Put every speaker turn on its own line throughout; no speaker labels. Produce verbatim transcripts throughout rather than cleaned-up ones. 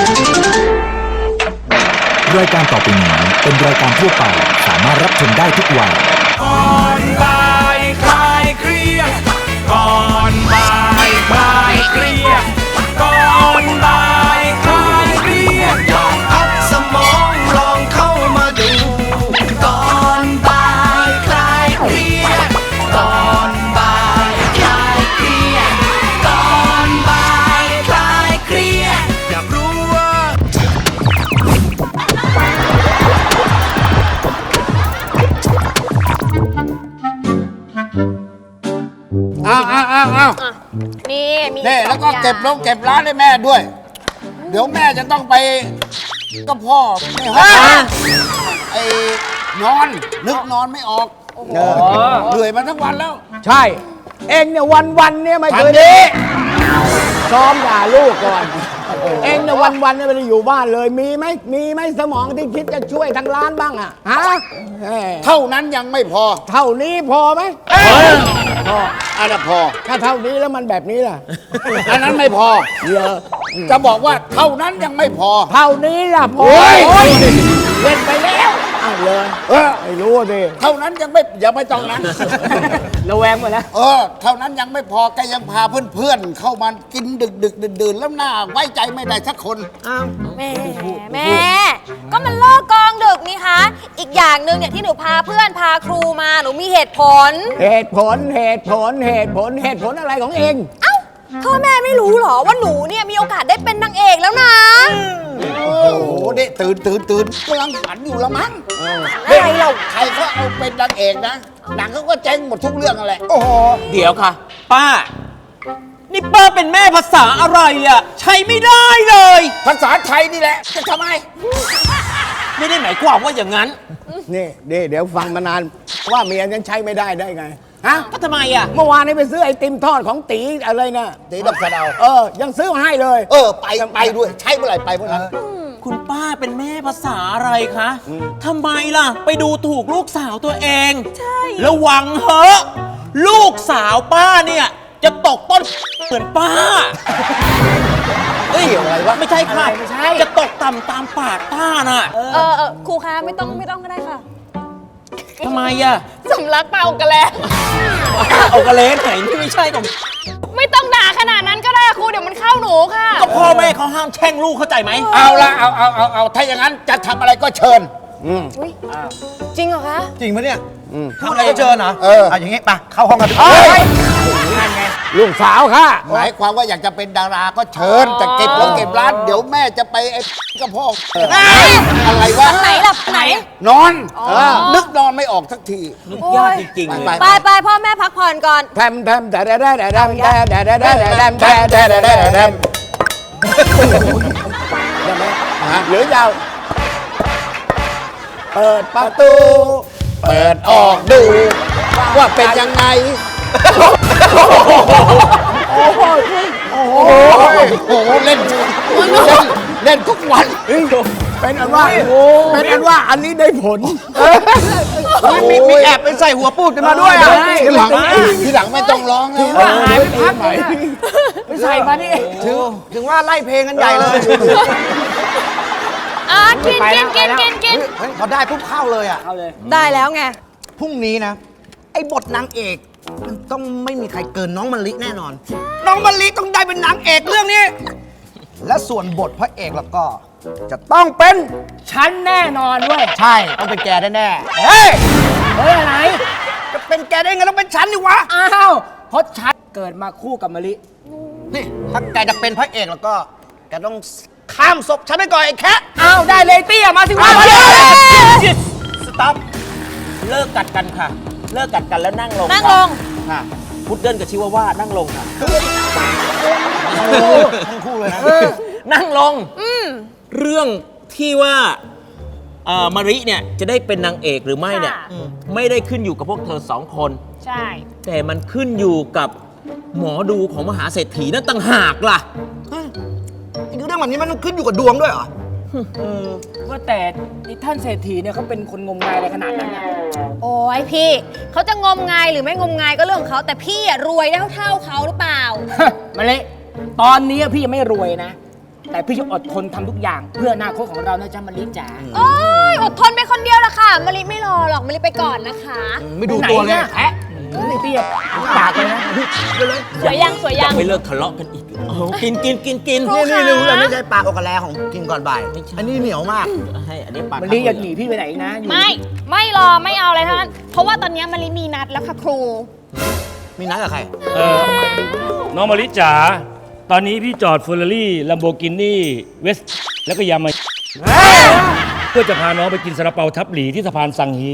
รายการต่อไปนี้เป็นรายการทั่วไปสามารถรับชมได้ทุกวัย
ก่อนบ่ายคลายเครียดก่อนบ่ายคลายเครียดก่อนบ่ายคลายเครียดลองพักสมองลองเข้ามาดูก่อนบ่ายคลายเครียดก่อนบ่ายคลายเครียดก่อนบ่ายคลายเครียดอยากรู้ว่า
อ้าวอ้าวอ้าวอ้าว
นี่มี
นี่
สอง
แล้วก็
อย่าง
เก็บลงเก็บร้านให้แม่ด้วย เดี๋ยวแม่จะต้องไปก็พ่อไม่ห้องไอ้นอนนึกนอนไม่ออกเหนื่อยมาทั้งวันแล้ว
ใช่ เองเนี่ยวันวันๆเนี่ยไม่เคย
ทำดี
ซ้อมด่าลูกก่อน เองเนี่ยวันวันๆเนี่ยไม่ได้อยู่บ้านเลย มีไหมมีไหมสมองที่คิดจะช่วยทางร้านบ้างอะฮะแหม
เท่านั้นยังไม่พอ
เท่านี้พอไหมพอ
อันนั้นพอ
ถ้าเท่านี้แล้วมันแบบนี้ล่ะ
อันนั้นไม่พอ
เยอะ
จะบอกว่าเท่านั้นยังไม่พอ
เท่านี้ล่ะพอ
โอ้ย
โอ้ยเล่นไปแล้วอ้าวเลย
เออ
ไม่รู้สิ
เท่านั้นยังไม่ยังไม่ต้องนั้น
ระแวงหมดแล้ว
เออ เท่านั้นยังไม่พอแกยังพาเพื่อนๆ เข้ามากินดึกดึกดื่นดื่นๆแล้วหน้าไว้ใจไม่ได้สักคน
แม่แม่ ก็มันเลิกกองดึกนี่คะ อีกอย่างหนึ่งเนี่ยที่หนูพาเพื่อนพาครูมาหนูมีเหตุผล
เหตุผลเหตุผลเหตุผลเหตุผลอะไรของเอง
เอ้าพ่อแม่ไม่รู้เหรอว่าหนูเนี่ยมีโอกาสได้เป็นนางเอกแล้วนะ
โอ้โหเด็กตื่นตื่นตื่นกำลังฝันอยู่ละมั้ง
อะไรเรา
ใครเขาเอาเป็นนางเอกนะ หนังเขาก็เจ๊งหมดทุกเรื่องอะไร
โอ้โห
เดี๋ยวค่ะ ป้า นี่ป้าเป็นแม่ภาษาอะไรอ่ะ ใช้ไม่ได้เลย
ภาษาไทยนี่แหละ จะทำไม
ไม่ได้หมายความว่าอย่างนั้น
นี่นี่เดี๋ยวฟังมานานว่าเมียยังใช้ไม่ได้ได้ไงฮะ
ก็ทำไมอ่ะ
เมื่อวานนี้ไปซื้อไอติมทอดของตีอะไรนะ
ตีดอกสะเดา
เออ ยังซื้อมาให้เลย
เออ ไปไปด้วย ใช้เมื่อไหร่ไปเมื่อนั้น
คุณป้าเป็นแม่ภาษาอะไรคะทำไมล่ะ ไปดูถูกลูกสาวตัวเอง
ใช่
ระวังเหอะลูกสาวป้าเนี่ย จะตกต้นเหมือนป้าเอ้ย
เกี่ยวอะไรวะ
ไม่ใช่ค่ะ
ไม่ใช่
จะตกต่ำตามปากป้าน่ะ
เออเออครูคะไม่ต้องไม่ต้องก็ได้ค่ะ
ทำไมอ่ะ
สำลักเปล่ากันแล้ว
เอากระเลนไหนนี่ไม่ใช่ของ
ไม่ต้องด่าขนาดนั้นก็ได้ครูเดี๋ยวมันเข้าหนูค่ะ
ก็พ่อแม่เขาห้ามแช่งลูกเข้าใจไหม
เอาละเอาเอาเอาเอาถ้าอย่างนั้นจะทำอะไรก็เชิญ
อุ๊ยจริงเหรอคะ
จริงปะเนี่ยทำอะไรก็เจอเหรอ
เออ
เอาอย่างงี้ไปเข้าห้องกัน
เฮ้ย
ลูกสาวค่ะ
หมายความว่าอยากจะเป็นดาราก็เชิญจะเก็บลงเก็บร้าน เดี๋ยวแม่จะไปไอ้กับพ่ออะไรวะ
ไหนล่ะไหน
นอนเออนึกนอนไม่ออกสักที
นึกยากจริงๆเลย
ไป
ไปไปพ่อแม่พักผ่อนก่อน
แทมแทมแต่แต่แต่แต่แต่แต่แต่แต่แต่แต่แต่แต่แต่แต่แต่หรือยาวเปิดประตู
เปิดออกดู ว่าเป็นยังไง
โอ้โหโอ้โห
โอ้โหเล่นเล่นเล่นทุกวัน
เป็นอันว่าเป็นอันว่าอันนี้ได้ผล
มีมีแอบไปใส่หัวปูดกันมาด้วยอ่ะ
ทีหลังทีหลังไม่ต้องร้องแล้ว
ว่าหายไปพักใหม่ไม่ใส่มานี่
ถึงถึงว่าไล่เพลงกันใหญ่เลย
อ่ะกินกินกินกินกิน
เฮ้ยพอได้ปุ๊บเข้าเลยอ่ะ
ได้แล้วไง
พรุ่งนี้นะ ไอ้บทนางเอกมันต้องไม่มีใครเกินน้องมะลิแน่นอน น้องมะลิต้องได้เป็นนางเอกเรื่องนี้ และส่วนบทพระเอกแล้วก็ จะต้องเป็น
ฉันแน่นอนเว้ย
ใช่ต้องเป็นแกแน่ๆ
เฮ้ยเฮ้ยอะไร
จะเป็นแกได้ไงต้องเป็นฉันดิวะ
อ้าวเพราะฉันเกิดมาคู่กับมะลิ
นี่ถ้าแกจะเป็นพระเอกแล้วก็แกต้องข้ามศพฉันไปก่อนไอ้แค่
อ้าวได้เลยเตี้ยมาสิวะ
สต็อปเลิกกัดกันค่ะ เลิกกัดกันแล้วนั่งลง
นั่งลง
ค่ะพุดเดิ้ลกับชิวาว่านั่งลงค่ะ
ทั้งคู่เลยนะ
นั่งลงเรื่องที่ว่าเอ่อมาริเนี่ยจะได้เป็นนางเอกหรือไม่เนี่ย
ค่ะ
ไม่ได้ขึ้นอยู่กับพวกเธอสองคน
ใช่
แต่มันขึ้นอยู่กับหมอดูของมหาเศรษฐีนั่นต่างหากล่ะ
ไอ้เรื่องแบบนี้มันขึ้นอยู่กับดวงด้วยเหรอ
เออว่าแต่นี่ท่านเศรษฐีเนี่ยเขาเป็นคนงมงายอะไรขนาดนั้นนะ
โอ้ยพี่เขาจะงมงายหรือไม่งมงายก็เรื่องของเขาแต่พี่อะรวยได้เท่าๆเขาหรือเปล่า
มะลิตอนนี้พี่ยังไม่รวยนะแต่พี่จะอดทนทำทุกอย่างเพื่ออนาคตของเรานะจ๊ะมะลิจ๋า
โอ้ยอดทนไปคนเดียวละค่ะมะลิไม่รอหรอกมะลิไปก่อนนะคะ
ไม่ดูตัวเลย
แอะนี่พี่ปากเลยนะ
สวยยังสวยยัง
ไม่เลิกทะเลาะกันอีกโอ้โหกินกินกินกิน
ครู
นี่
คะ
นี่รู้เลยไม่ใช่ปลาโอกาแลของกินก่อนบ่าย อันนี้เหนียวมาก
ให้อันนี้ปาก
มะลิอย่าหนีพี่ไปไหนนะอยู่
ไม่ไม่รอไม่เอาอะไรทั้งนั้นเพราะว่าตอนนี้มะลิมีนัดแล้วค่ะครู
มีนัดกับใคร
เออน้องมาริจ๋าตอนนี้พี่จอดเฟอร์รารี่ลัมโบกินี่เวสแล้วก็ยามาเพื่อจะพาน้องไปกินซาลาเปาทับหลีที่สะพานสังฮี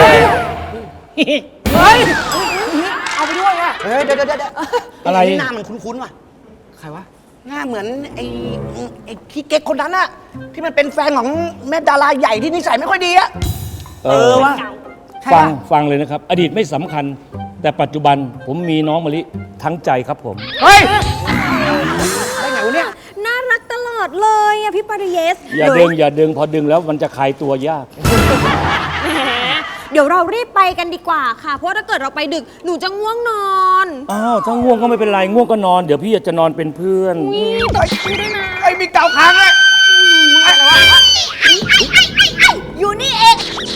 เอาไปด้วยอ่ะ
เฮ้ยเดี๋ยวเดี๋ยวเดี๋ยว
อะไร
หน้ามันคุ้นๆว่ะ ใครวะ หน้าเหมือนไอ้ไอ้ขี้เก๊กคนนั้นอะที่มันเป็นแฟนของแม่ดาราใหญ่ที่นิสัยไม่ค่อยดีอะ
เออว่าฟังฟังเลยนะครับ อดีตไม่สำคัญ แต่ปัจจุบันผมมีน้องมะลิทั้งใจครับผม
เฮ้ย
ได้ไงวะเนี่ย
น่ารักตลอดเลยอะพี่ปาริเยส
อย่าดึงอย่าดึงพอดึงแล้วมันจะคลายตัวยาก
แหมเดี๋ยวเรารีบไปกันดีกว่าค่ะ เพราะถ้าเกิดเราไปดึกหนูจะง่วงนอน
อ้าวถ้าง่วงก็ไม่เป็นไรง่วงก็นอนเดี๋ยวพี่จะนอนเป็นเพื่อน
นี่ตบมือด้วยนะ
ไอ้มีเกาค้างเลย
อยู่นี่เอง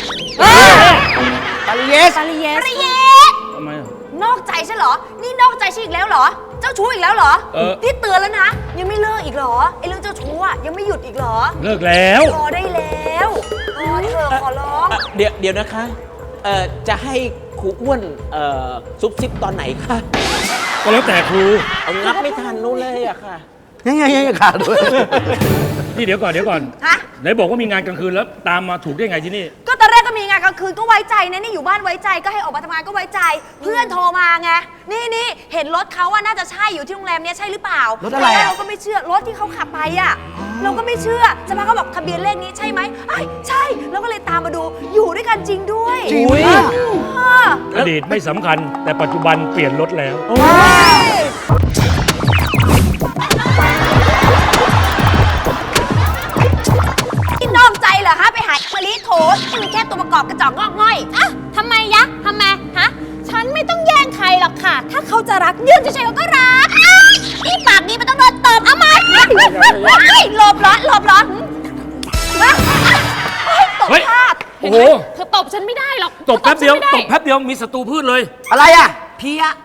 ปาริเยส
ปาริเยสปาริเยส
ทำไมอ่ะ
นอกใจใช่เหรอ นี่นอกใจฉันอีกแล้วเหรอ เจ้าชู้อีกแล้วเหรอ
เออ
ที่เตือนแล้วนะ ยังไม่เลิกอีกเหรอ ไอ้เรื่องเจ้าชู้อะยังไม่หยุดอีกเหรอ
เลิกแล้ว
พอได้แล้วพอเถอะขอร้อง
อ่ะเดี๋ยวเดี๋ยวนะคะเอ่อจะให้ครูอ้วนเอ่อซุบซิบตอนไหนคะ
ก็แล้วแต่ครู
เอางับไม่ทันนู้นเลยอะค่ะ
ยังไงยังไงขาดด้วย
นี่เดี๋ยวก่อนเดี๋ยวก่อน
ฮะ
ไหนบอกว่ามีงานกลางคืนแล้วตามมาถูกได้ไงที่นี่
ก็ตอนแรกก็มีงานกลางคืนก็ไว้ใจนะนี่อยู่บ้านไว้ใจก็ให้ออกมาทำงานก็ไว้ใจ เพื่อนโทรมาไงนี่นี่เห็นรถเขาว่าน่าจะใช่อยู่ที่โรงแรมเนี้ยใช่หรือเปล่าร
ถอะไรอะ
ตนแกเราก็ไม่เชื่อรถที่เขาขับไปอ่ะเราก็ไม่เชื่อสักพักเขาบอกทะเบียนเลขนี้ใช่ไหมไอ้ยใช่เราก็เลยตามมาดูอยู่ด้วยกันจริงด้วย
จริงปะ
อ่า
อดีตไม่สำคัญ แต่ปัจจุบันเปลี่ยนรถแล้ว
ที่นอกใจเหรอคะไปหามะลิโถที่มันแค่ตัวประกอบกระจอกงอกง่อยอะทำไมยะทำไมฮะฉันไม่ต้องแย่งใครหรอกค่ะ ถ้าเขาจะรักยืนเฉยๆเขาก็รักอ้ายนี่ปากนี้มันต้องโดนตบเอาไหมหลบร้อนหลบร้อนตบ
เฮ้ย
พลาด
โอ้โห
เธอตบฉันไม่ได้หรอก
ตบแป๊บเดียว
ธอฉัน
ต
ไม่
บแป๊บเดียวมีศัตรูพืชเลย
อะไรอะเพีย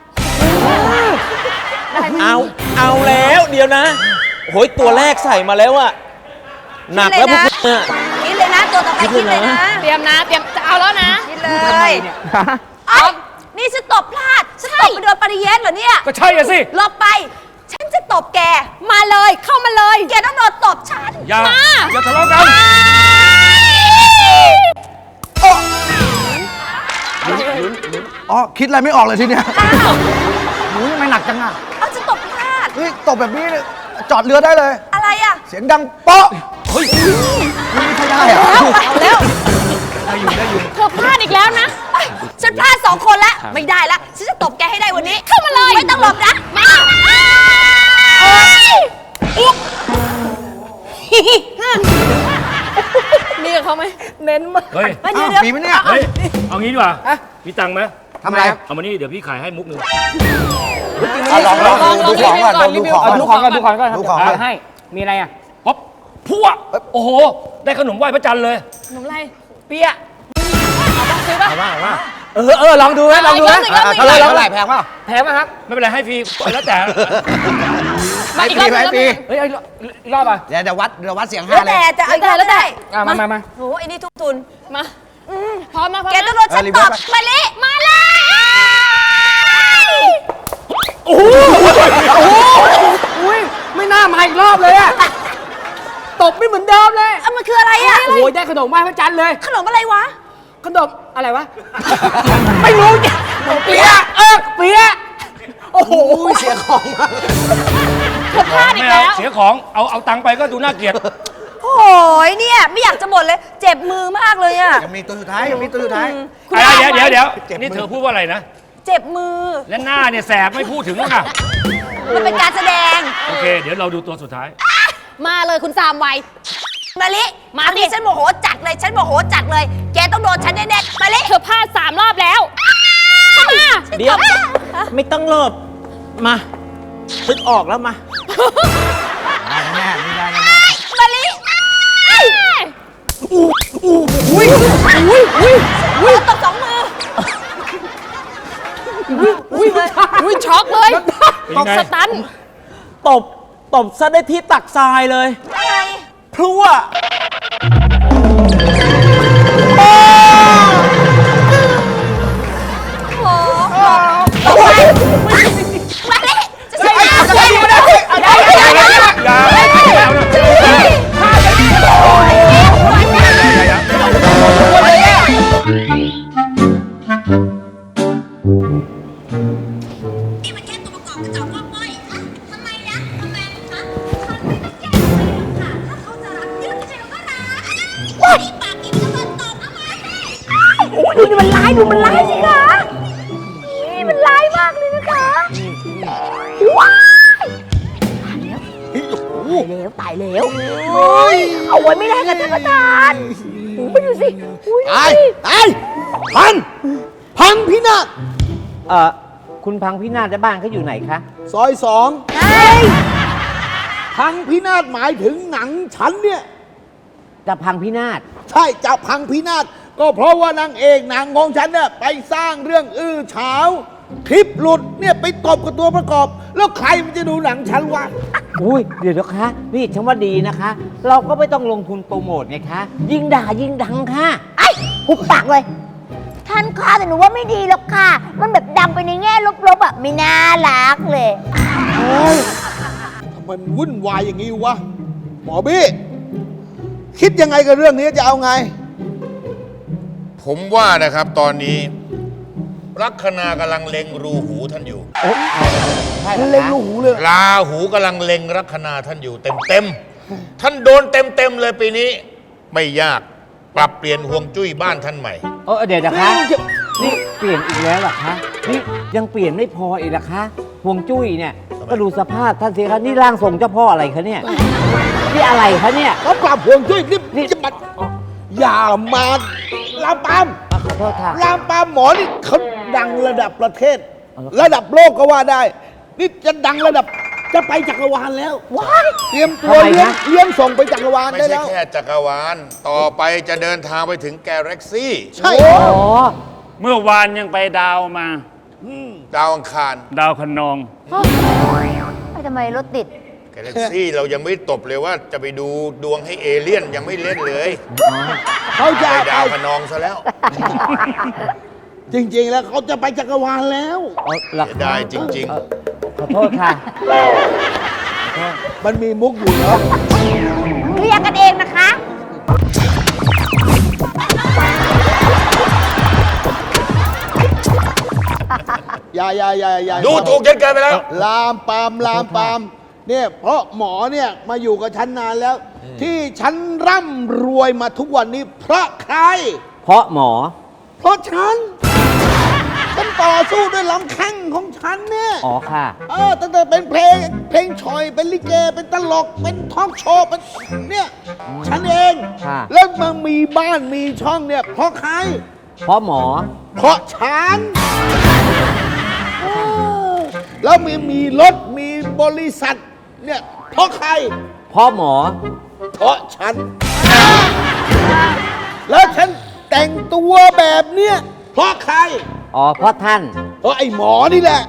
เอาเอาแล้วเดี๋ยวนะโอ้ยตัวแรกใส่มาแล้วอะหนักแล้วพวกคุณอะ
คิดเลยนะตัวต่อไปคิดเลยนะเตรียมนะเตรียมจะเอาแล้วนะคิดเลยเอ้านี่ฉันตบพลาดฉันตบไปโดนปริเยสเหรอเนี่ย
ก็ใช่อะสิ
หลบไป ฉันจะตบแก มาเลย เข้ามาเลย แกต้องโดนตบฉัน
อย่า
มา
อย่าทะเลาะกัน
อ๋อ คิดอะไรไม่ออกเลยทีเนี้ยหนูทำไมหนักจังอะ
เอาฉันตบพลาด
เฮ้ยตบแบบนี้เนี่ยจอดเรือได้เลย
อะไรอ่ะ
เสียงดังเป๊ะเฮ้ยนี่ไม่ใช่ได้เหรอ
เอาแล้ว เธอพลาดอีกแล้วนะเอ้ยฉันพลาดสองคนแล้ว ไม่ได้ละ ฉันจะตบแกให้ได้วันนี้ เข้ามาเลย ไม่ต้องหลบนะ มาอุ๊บมีกับเขาไหมเน้นมาก
เฮ้ย
เดี๋ยวเดี๋ยว
มีไหมเนี่ย
เฮ้ย เอางี้ดีกว่ามีตังค์ไหม
ทำอะไร
เอามานี่เดี๋ยวพี่ขายให้มุกหนึ่ง
เอาลองลองดูของก่อนดูของก่อน
ดูของก่อนดูของก่อน
ดูของก่อน
ให้ มีอะไรอ่ะ
ป๊อปพั่วโอ้โห ได้ขนมไหว้พระจันทร์เลย
ขนมอะไร
เปี๊ยะ
เอาบ้างซื้อป่ะ
ว่าว่า
เออเออลองดูไหมลองดูไหม
เอาอีกรอบหนึ่ง
เท่าไหร่เท่าไหร่แพงเปล่า
แพงไหมครับ
ไม่เป็นไรให้ฟรีแล้วแต่
ให้ฟรีให้ฟรี
เฮ้ยเอาอีกรอบอ่ะ
เดี๋ยวเดี๋ยววัดเดี๋ยววัดเสียงห้า
แล้ว
เล
แต่
ย
จะเอาอีกแล้วได้
อ่ะมามามา
โหไอ้นี่ทุกทุน มาพร้อมมาพร้อม
แก
แก
ต้
ต้
อ
อง ง
โด
โด
น
น
ฉั
ฉั
น
น
ต
ต
บบ
มาลิมาเลย
โอ้โห
อุ้ยไม่น่ามาอีกรอบเลยอ่ะ ตบไม่เหมือนเดิมเลย
เอามันคืออะไรอ่ะ
โอ้ยได้ขนมไหว้พระจันทร์เลย
ขนมอะไรวะ
ขนมอะไรวะ ไม่รู้จ้ะเปี๊ยะเออเปี๊ยะโอ้โห
เสียของ
เธอพลาดอี
ไม่
ก
เอา
แล้ว
เสียของ เอาเอาตังค์ไปก็ดูน่าเกลียด
โอ้ยเนี่ยไม่อยากจะบ่นเลย เจ็บมือมากเลยอ่ะ
ยังมีตัวสุดท้ายยังมีตัวสุดท้าย
คุณ
อะไร
อา
เดี๋ยวเดี๋ยว
ไ
เดี๋ยวนี่เธอพูดว่าอะไรนะ
เจ็บมือ
และหน้าเนี่ยแสบไม่พูดถึงแล้วนะ
มันเป็นการแสดง
โอเค เดี๋ยวเราดูตัวสุดท้าย
มาเลยคุณสามวัยมาลิมาดิฉันโมโหจัดเลย ฉันโมโหจัดเลย แกต้องโดนฉันแน่ๆมาลิเธอพลาดสามรอบแล้วมา
เดี๋ยวไม่ต้องหลบมาซึกออกแล้วมา
ได้แน่ๆนี่ได้แน่
อุ้ยอุ้ยอุ้ยตบสองมือ อุ้ยเลยอุ้ยช็อกเลย
เป็นไง
สตัน
ตบ ตบซะได้ที่ตักทรายเลย
อะไร
พรั่ว
โอ้โหตบไปมาเลยจะใช่ไหมจะใช่ไหมได้ได้ได้ได้ได้ นี่มันแค่ตัวประกอบกระจอกงอกง่อยอะทำไมนะทำไมคะฉันไม่ต้องแก้ไขหรอกค่ะ ถ้าเขาจะรักยืดใจเขาก็รักว้ายปากกินก็มันตอบเอามาสิโอ้ยดูมันร้ายดูมันร้ายสิคะนี่มันร้ายมากเลยนะคะว้ายตายแล้วตายแล้วโอ้ยเอาไว้ไม่ได้กับท่านประธานโอ้ยดูสิอุ้ย
ตายตายพังพังพินาศ
เอ่อ คุณพังพินาศและบ้านเขาอยู่ไหนคะ
ซอยสอง
เฮ้ย
พังพินาศหมายถึงหนังฉันเนี่ย
จะพังพินาศ
ใช่จะพังพินาศก็เพราะว่านางเอกหนังของฉันเนี่ยไปสร้างเรื่องอื้อฉาวคลิปหลุดเนี่ยไปตบกับตัวประกอบ แล้วใครมันจะดูหนังฉันวะ
อุ้ยเดี๋ยวนะคะ นี่ฉันว่าดีนะคะ เราก็ไม่ต้องลงทุนโปรโมทไงคะ ยิ่งด่ายิ่งดังค่ะ
ไอ้หุบปากเลย ท่านค่ะแต่หนูว่าไม่ดีหรอกค่ะ มันแบบดังไปในแง่ลบๆอ่ะไม่น่ารักเลย
เฮ้ยทำไมมันวุ่นวายอย่างนี้วะ หมอบี้ คิดยังไงกับเรื่องนี้จะเอาไง
ผมว่านะครับตอนนี้ลัคนากำลังเล็งรูหูท่านอยู่
ใช่เหรอ
เล็ง
คะ
ลูกหูเลย
ราหูกำลังเล็งลัคนาท่านอยู่เต็มเต็มๆท่านโดนเต็มเต็มๆเลยปีนี้ ไม่ยากปรับเปลี่ยนห่วงจุ้ยบ้านท่านใหม่
เออเดี๋ยวนะคะ นี่เปลี่ยนอีกแล้วเหรอคะ นี่ยังเปลี่ยนไม่พออีกเหรอคะห่วงจุ้ยเนี่ย ก็ดูสภาพท่านสิคะนี่ร่างทรงเจ้าพ่ออะไรคะเนี่ย นี่อะไรคะเนี่ย
เขาปรับห่วงจุ้ยนี่นี่จะมาอย่ามาลามปาม
อ่ะขอโทษค่ะ
ลามปามหมอนี่เขาดังระดับประเทศ ระดับโลกก็ว่าได้ นี่จะดังระดับจะไปจักรวาลแล้วว้ายเตรียมตัว
ทำไม
เลี้ยง
นะ
เลี้ยงส่งไปจักรวาล
ไม่
ได้
ใช่
แล้ว
แค่จักรวาล ต่อไปจะเดินทางไปถึงแกแล็กซี่
ใช่
อ๋อ
เมื่อวานยังไปดาวมา
ดาวอังคาร
ดาวคะนอง
ไปทำไมรถติด
แกแล็กซี่เรายังไม่ตบเลยว่าจะไปดูดวงให้เอเลี่ยนยังไม่เล่นเลย
เขาจะ
ไปดาว
เอา
คะนองซะแล้ว
จริง ๆ แล้วเขาจะไปจักรวาลแล้ว
เอาเหรอ
เสีย
คะ
ดายจริง
เอ่อขอโทษค่ะ
มันมีมุกอยู่เหรอ
เคลียร์กันเองนะคะ
อย่าอย่าอย่าอย่า
ๆ ดูถูกจนเกินไปแล้ว
ลามปามลามปามเนี่ยเพราะหมอเนี่ยมาอยู่กับฉันนานแล้ว ที่ฉันร่ำรวยมาทุกวันนี้ เพราะใคร
เพราะหมอ
เพราะฉัน ฉันต่อสู้ด้วยลำแข้งของฉันเนี่ย
อ๋อค่ะ
เออตั้งแต่เป็นเพลงเพลงชอยเป็นลิเกเป็นตลกเป็นทอล์กโชว์เป็นเนี่ยฉันเอง
ค่ะ
แล้วมามีบ้านมีช่องเนี่ย เพราะใคร
เพราะหมอ
เพราะฉันเออแล้วมีมีรถมีบริษัทเนี่ยเพราะใคร
เพราะหมอ
เพราะฉัน แล้วฉันแต่งตัวแบบเนี้ยเพราะใคร
อ๋อ เพราะท่าน
เพราะไอ้หมอนี่แหละ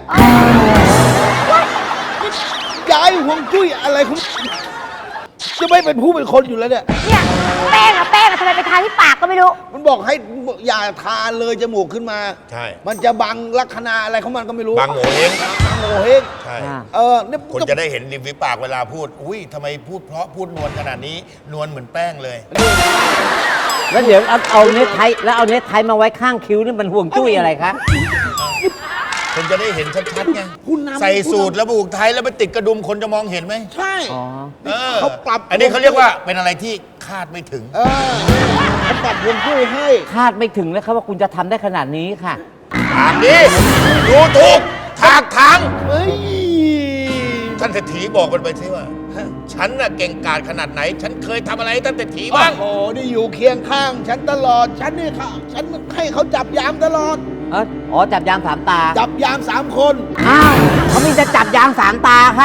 ย้ายห่วงจุ้ยอะไรคุณจะไม่เป็นผู้เป็นคนอยู่แล้วเนี่ย
เนี่ยแป้งอะแป้งอะทำไมไปทาที่ปากก็ไม่รู้
มันบอกให้อย่าทาเลยจมูกขึ้นมา
ใช่
มันจะบังลักษณะอะไรของมันก็ไม่รู้
บางโหเฮง
บังโงเฮง
ใช่
อ่า
เออเนี่ย
คนจะได้เห็นริมฝีปากเวลาพูด อุ้ยทำไมพูดเพราะพูดนวลขนาดนี้ นวลเหมือนแป้งเลย
แล้วเดี๋ยวเอาเอาเน็ตไทแล้วเอาเน็ตไทมาไว้ข้างคิ้วนี่มันห่วงจุ้ยอะไรคะ
คนจะได้เห็นชัดๆไง
ผู้นำ
ใส่สูตรแล้วผูกไทยแล้วไปติดกระดุมคนจะมองเห็นไหม
ใช่
อ๋อ
เออ
เขาปรับ
อันนี้เขาเรียกว่าเป็นอะไรที่คาดไม่ถึง
เออเขาปรับห่วงจุ้ยให้
คาดไม่ถึงเลยครับว่าคุณจะทำได้ขนาดนี้ค่ะ
ถามดิดูถูกถากถาง
เฮ้ย
ท่านเศรษฐีบอกกันไปสิว่า ฉันน่ะเก่งกาจขนาดไหน ฉันเคยทำอะไรให้ท่านเศรษฐีบ้าง
โอ้โหนี่อยู่เคียงข้าง ฉันตลอด ฉันนี่ค่ะฉันให้เขาจับยามตลอด
เอออ๋อ จับยามสามตา
จับยามสามคน
อ้าวเขามีจะจับยามสามตาค่ะ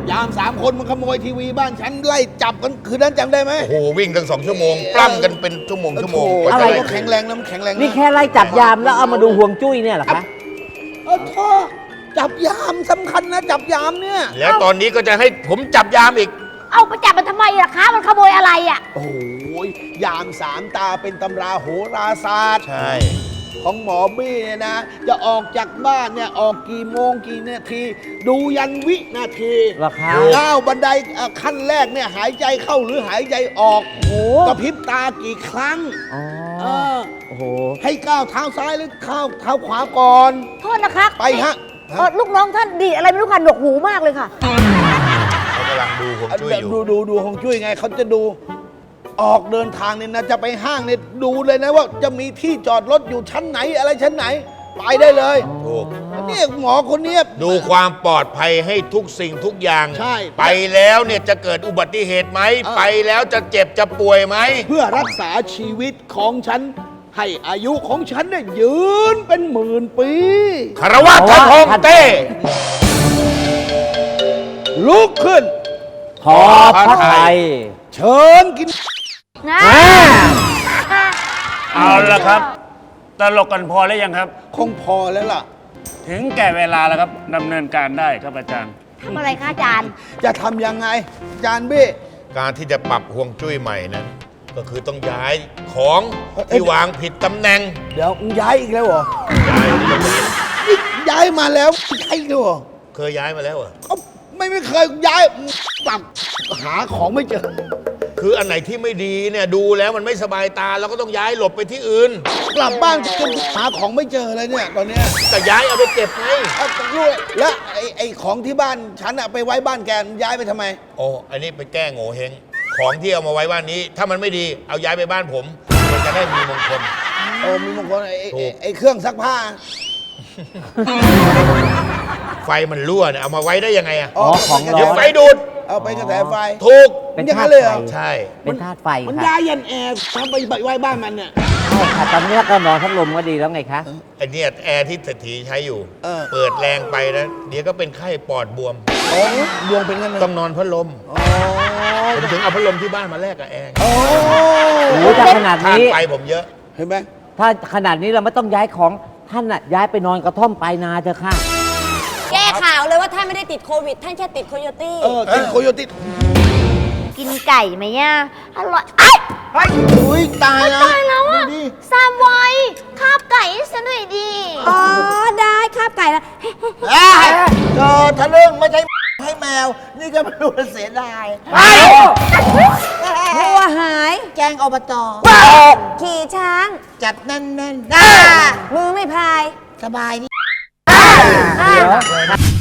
ยามสามคนมันขโมยทีวีบ้านฉันไล่จับกันคืนนั้นจำได้ไหม
โอ้โหวิ่งตั้งสองชั่วโมงปล้ำกันเป็นชั่วโมงชั่วโมง
อะไร
กว่าจะด้
ก็แข็งแรงนะมันแข็งแรงะ
นี่แค่ไล่จับยามแล้วเอามาดูห่วงจุ้ยเนี่ยเหรอคะ
เออท่อจับยามสำคัญนะจับยามเนี่ย
แล้วตอนนี้ก็จะให้ผมจับยามอีก
เอาไปจับมันทำไมล่ะคะ มันขโมยอะไรอ่ะ
โอ้โหยามสามตาเป็นตำราโหราศาสตร์
ใช่
ของหมอบี้เนี่ยนะ จะออกจากบ้านเนี่ยออกกี่โมงกี่นาที ดูยันวินาที
เหรอคะ
ก้าวบันไดเอ่อขั้นแรกเนี่ยหายใจเข้าหรือหายใจออกกระพริบตากี่ครั้ง
อ๋อ
เออ
โอ้โห
ให้ก้าวเท้าซ้ายหรือก้าวเท้าขวาก่อน
โทษนะคะ
ไปฮะ
เอ่อลูกน้องท่านดีอะไรไม่รู้ค่ะหนวกหูมากเลยค่ะ
เขากำลังดูผมช่วยอยู่
ดูดูดูของช่วยไงเขาจะดูออกเดินทางเนี่ยนะจะไปห้างเนี่ยดูเลยนะว่าจะมีที่จอดรถอยู่ชั้นไหนอะไรชั้นไหน ไปได้เลย
ถูก
นี่หมอคนเนี้ย
ดูความปลอดภัยให้ทุกสิ่งทุกอย่าง
ใช่
ไปแล้วเนี่ยจะเกิดอุบัติเหตุไหม
เออ
ไปแล้วจะเจ็บจะป่วยไหม
เพื่อรักษาชีวิตของฉัน ให้อายุของฉันเนี่ยยืนเป็นหมื่นปี
คารวะท่านฮองเต้
ลุกขึ้น
ขอพระไทย
เชิญกิน
นะ
เอาละครับ ตลกกันพอแล้วยังครับ
คงพอแล้วล่ะ
ถึงแก่เวลาแล้วครับดำเนินการได้ครับอาจารย์
ทำอะไรคะอาจารย์
จะทำยังไงจานบี้
การที่จะปรับห่วงจุ้ยใหม่นั้น ก็คือต้องย้ายของ
เอ้ย
ที่วางผิดตำแหน่ง
เดี๋ยวมึงย้ายอีกแล้วเหรอ
ย้ายที่ตรงนี้
นี่ย้ายมาแล้วย้ายอีกแล้วเหรอ
เคยย้ายมาแล้วเหรอ
เอ้าไม่ไม่เคยย้ายปรับหาของไม่เจอ
คืออันไหนที่ไม่ดีเนี่ยดูแล้วมันไม่สบายตาเราก็ต้องย้ายหลบไปที่อื่น
กลับบ้านจนหาของไม่เจอเลยเนี่ยตอนเนี้ย
แต่ย้ายเอาไปเก็บไง
เอาต้องรู้เลยแล้วไอ้ไอ้ของที่บ้านฉันอะไปไว้บ้านแกมันย้ายไปทำไม
โอ้อันนี้ไปแก้โง่เฮงของที่เอามาไว้บ้านนี้ ถ้ามันไม่ดีเอาย้ายไปบ้านผม มันจะได้มีมงคล
โอ้มีบางคนไอ้ไอ้
ถูก
ไอ้เครื่องซักผ้า
ไฟมันรั่วเนี่ยเอามาไว้ได้ยังไงอะ
อ๋อของ
มัน
ร้
เดี๋ยว
อน
ไฟดูด
เอาไปกระแสไฟ
ถูก
เป็น
อย่าง
ธา
นั้น
ตุ
เลยเหรอ
ไฟ
ใช่
เป็นธาตุไฟ
มัน
ค่ะ
ย้ายยันแอร์ทำไปไว้บ้านมันเนี่ย
ใช่ค่ะตอนนี้ก็นอนพัดลมก็ดีแล้วไงคะ
ไอเนี่ยแอร์ที่เศรษฐีใช้อยู่
เออ
เปิดแรงไปนะเดี๋ยวก็เป็นไข้ปอดบวม
โอ้ดวงเป็นกันเลย
ต้องนอนพัดลม
โอ้
ผมถึงเอาพัดลมที่บ้านมาแลกกับแอร์
โอ้
โอ้ถ้าขนาด
ทาน
นี้
ไฟผมเยอะ
เห็นไหม
ถ้าขนาดนี้เราไม่ต้องย้ายของท่านน่ะย้ายไปนอนกระท่อมปลายนาเถอะค่ะ
แก้ข่าวเลยว่าท่านไม่ได้ติดโควิด ท่านแค่ติดโคโยตี้
เออกินโคโยติ
กินไก่ไหมอ่ะอร่อยเอ้ย
เฮ้ยอุ้ยตายแล้ว
ตายแล้วอ่ะ
ดูดิ
ซามไวคาบไก่ให้ฉันหน่อยดิ อ๋อ ได้คาบไก่แล้ว
เอ้ยเออทะลึ่งไม่ใช่ให้แมว นี่ก็ไม่รู้จะเสียดาย
หัวหาย
แจ้งอบต
ขี่ช้าง
จัดแน่น
มือไม่พาย
ๆ สบายดี
อ่ะ